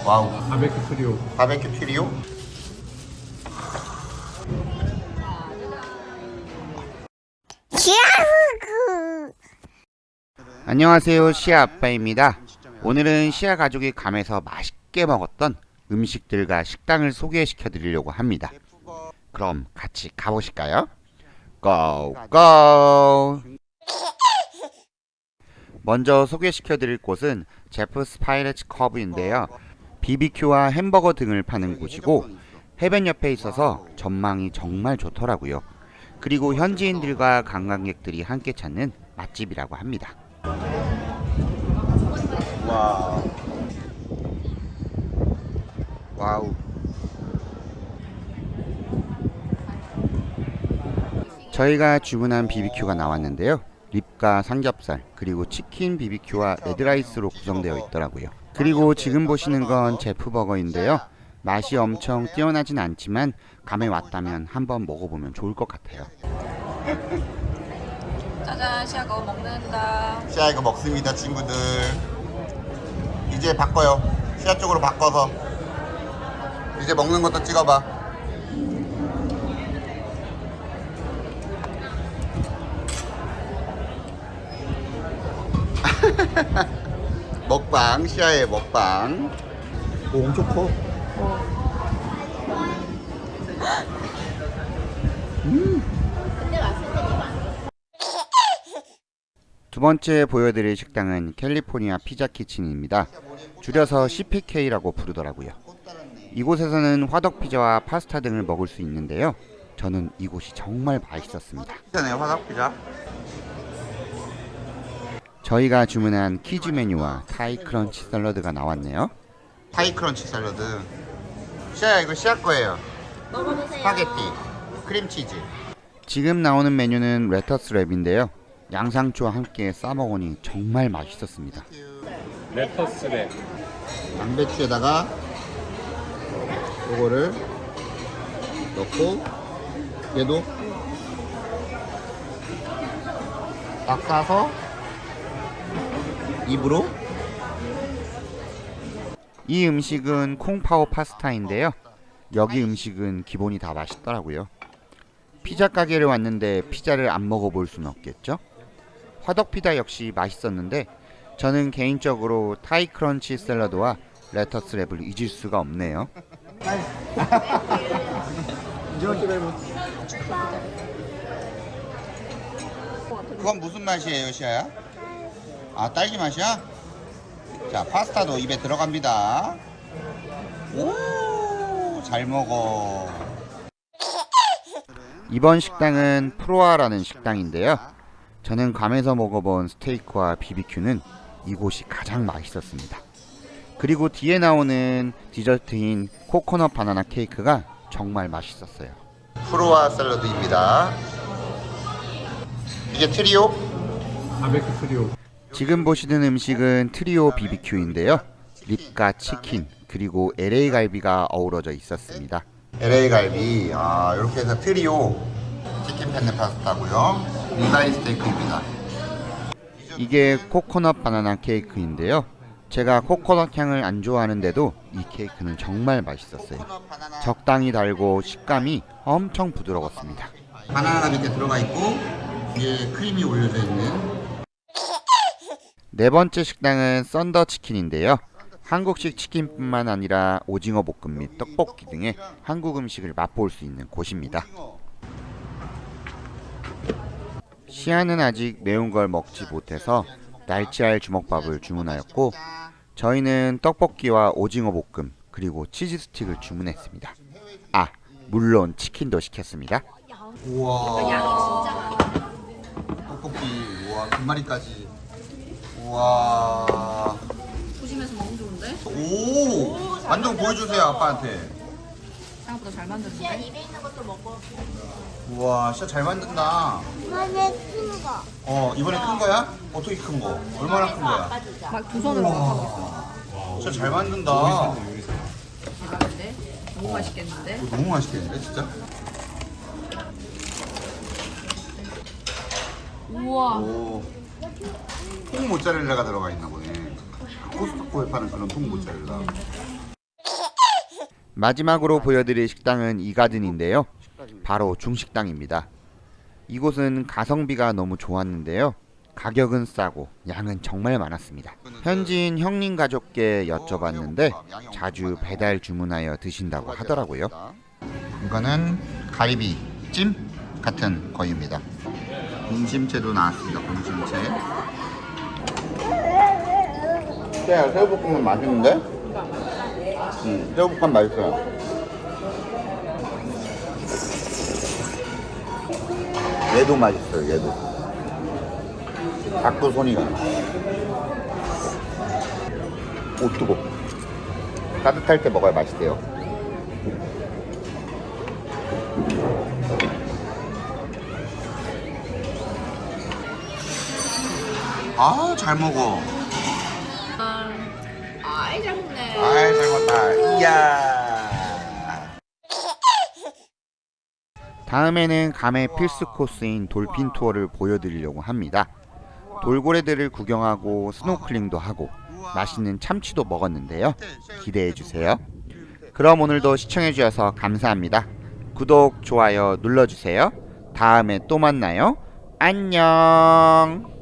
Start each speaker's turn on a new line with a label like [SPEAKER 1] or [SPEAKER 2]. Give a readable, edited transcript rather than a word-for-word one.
[SPEAKER 1] 와우.
[SPEAKER 2] 바베큐 트리오.
[SPEAKER 1] 바베큐 트리오? 안녕하세요, 시아 아빠입니다. 오늘은 시아 가족이 감에서 맛있게 먹었던 음식들과 식당을 소개시켜 드리려고 합니다. 그럼 같이 가보실까요? 고고! 먼저 소개시켜 드릴 곳은 제프스 파이레츠 커브인데요. BBQ와 햄버거 등을 파는 곳이고 해변 옆에 있어서 전망이 정말 좋더라고요. 그리고 현지인들과 관광객들이 함께 찾는 맛집이라고 합니다. 와우. 와우. 저희가 주문한 BBQ가 나왔는데요. 립과 삼겹살, 그리고 치킨 BBQ와 레드라이스로 구성되어 있더라고요. 그리고 지금 보시는 건 제프버거인데요. 맛이 엄청 뛰어나진 않지만 감에 왔다면 한번 먹어보면 좋을 것 같아요.
[SPEAKER 3] 짜잔, 시아 거 먹는다.
[SPEAKER 1] 시아 이거 먹습니다, 친구들. 이제 바꿔요. 시아 쪽으로 바꿔서 이제 먹는 것도 찍어봐. 먹방, 시아의 먹방. 오, 엄청 커. 두 번째 보여드릴 식당은 캘리포니아 피자 키친입니다. 줄여서 CPK라고 부르더라고요. 이곳에서는 화덕 피자와 파스타 등을 먹을 수 있는데요. 저는 이곳이 정말 맛있었습니다. 피자네, 화덕 피자. 저희가 주문한 키즈 메뉴와 타이 크런치 샐러드가 나왔네요. 타이 크런치 샐러드. 시아야, 이거 시아 거예요.
[SPEAKER 3] 먹어보세요.
[SPEAKER 1] 스파게티, 크림치즈. 지금 나오는 메뉴는 레터스 랩인데요. 양상추와 함께 싸먹으니 정말 맛있었습니다.
[SPEAKER 2] 레터스 랩.
[SPEAKER 1] 양배추에다가 요거를 넣고 얘도 딱 싸서 입으로. 이 음식은 콩파오 파스타인데요. 여기 음식은 기본이 다 맛있더라고요. 피자 가게를 왔는데 피자를 안 먹어볼 수는 없겠죠? 화덕 피자 역시 맛있었는데 저는 개인적으로 타이 크런치 샐러드와 레터스 랩을 잊을 수가 없네요. 그건 무슨 맛이에요, 시아야? 아, 딸기 맛이야? 자, 파스타도 입에 들어갑니다. 오, 잘 먹어. 이번 식당은 프로아라는 식당인데요. 저는 괌에서 먹어본 스테이크와 BBQ는 이곳이 가장 맛있었습니다. 그리고 뒤에 나오는 디저트인 코코넛 바나나 케이크가 정말 맛있었어요. 프로아 샐러드입니다. 이게 트리오?
[SPEAKER 2] 바베큐 트리오.
[SPEAKER 1] 지금 보시는 음식은 트리오 BBQ인데요. 립과 치킨 그리고 LA 갈비가 어우러져 있었습니다. LA 갈비, 이렇게 해서 트리오 치킨 펜네 파스타고요. 리바이 스테이크입니다. 이게 코코넛 바나나 케이크인데요. 제가 코코넛 향을 안 좋아하는데도 이 케이크는 정말 맛있었어요. 적당히 달고 식감이 엄청 부드러웠습니다. 바나나가 밑에 들어가 있고 위에 크림이 올려져 있는. 네 번째 식당은 썬더 치킨인데요. 한국식 치킨뿐만 아니라 오징어 볶음 및 떡볶이 등의 한국 음식을 맛볼 수 있는 곳입니다. 시아는 아직 매운 걸 먹지 못해서 날치알 주먹밥을 주문하였고 저희는 떡볶이와 오징어 볶음 그리고 치즈 스틱을 주문했습니다. 아, 물론 치킨도 시켰습니다. 우와, 떡볶이, 우와, 두 마리까지. 우와.
[SPEAKER 3] 조심해서 너무 좋은데?
[SPEAKER 1] 오, 완전 보여주세요, 아빠한테.
[SPEAKER 3] 생각보다 잘 만들었는데?
[SPEAKER 1] 우와, 진짜 잘 만든다.
[SPEAKER 4] 이번에 큰 거.
[SPEAKER 1] 이번에 큰 거야? 어떻게 큰 거? 얼마나 큰 거야?
[SPEAKER 3] 막 두 손으로 막 하고 있어.
[SPEAKER 1] 진짜 잘 만든다.
[SPEAKER 3] 대박인데? 너무 맛있겠는데?
[SPEAKER 1] 이거 너무 맛있겠는데, 진짜?
[SPEAKER 3] 우와.
[SPEAKER 1] 오, 통 모짜렐라가 들어가 있나 보네. 코스트코에 파는 그런 통 모짜렐라. 마지막으로 보여드릴 식당은 이가든인데요. 바로 중식당입니다. 이곳은 가성비가 너무 좋았는데요. 가격은 싸고 양은 정말 많았습니다. 현지인 형님 가족께 여쭤봤는데 자주 배달 주문하여 드신다고 하더라고요. 이거는 가리비찜 같은 거입니다. 공심채도 나왔습니다. 공심채. 새우볶음은 맛있는데? 새우볶음 맛있어요. 얘도 맛있어요. 얘도. 자꾸 손이 가. 오, 뜨거. 따뜻할 때 먹어야 맛있대요. 아, 잘 먹어.
[SPEAKER 3] 아이 잘 먹네.
[SPEAKER 1] 아이, 잘 먹다. 이야. 다음에는 감의 필수 코스인 돌핀 투어를 보여드리려고 합니다. 돌고래들을 구경하고 스노클링도 하고 맛있는 참치도 먹었는데요. 기대해주세요. 그럼 오늘도 시청해주셔서 감사합니다. 구독, 좋아요 눌러주세요. 다음에 또 만나요. 안녕.